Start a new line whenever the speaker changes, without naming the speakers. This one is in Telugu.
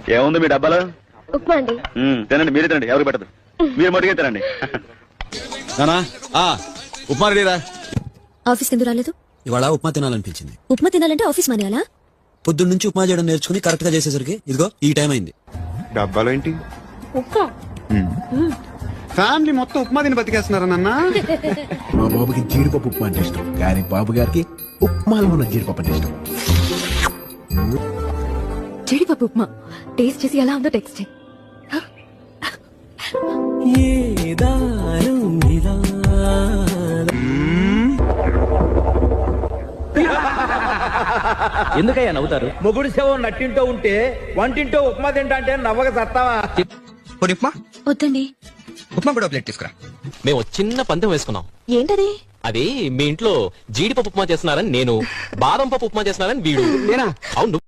ఏముంది మీ డబ్బాలో?
ఉప్మా అండి.
తినండి, మీరే తినండి, ఎవరికి పెట్టదు. మీరు మటుకే తినండి.
నానా ఉప్మా రెడీరా.
ఆఫీస్ కింద రాలేదు?
ఇవాళ ఉప్మా తినాలనిపించింది.
ఉప్మా తినాలంటే ఆఫీస్ మానేయాలా?
పొద్దున్న నుంచి ఉప్మా చేయడం నేర్చుకుని కరెక్ట్ గా చేసేసరికి ఇదిగో ఈ టైం అయింది.
డబ్బాలో ఏంటి?
ఉప్మా.
ఫ్యామిలీ మొత్తం ఉప్మా తిని బతికేస్తున్నారా నాన్న?
మా బాబుకి జీడిపప్పు ఉప్మా అంటే ఇష్టం, కానీ బాబు గారికి ఉప్మాలో ఉన్న జీడిపప్పు అంటే ఇష్టం.
జీడిపప్పు ఉప్మా టేస్ట్ చేసి ఎలా ఉందో టెక్స్ట్ చేయి.
ఎందుకయ్యా నవ్వుతారు? మొగుడు శవం నట్టింటో ఉంటే వంటింటో ఉప్మా తింటా అంటే నవ్వక సత్తావా?
ఉప్మా
వద్దండి.
ఉప్మా కూడా ప్లేట్ తీసుకురా.
మేము చిన్న పందెం వేసుకున్నాం.
ఏంటది?
అది మీ ఇంట్లో జీడిపప్పు ఉప్మా చేస్తున్నారని నేను, బాదం పప్పు ఉప్మా చేస్తున్నారని వీడు.
నేనా?
అవును.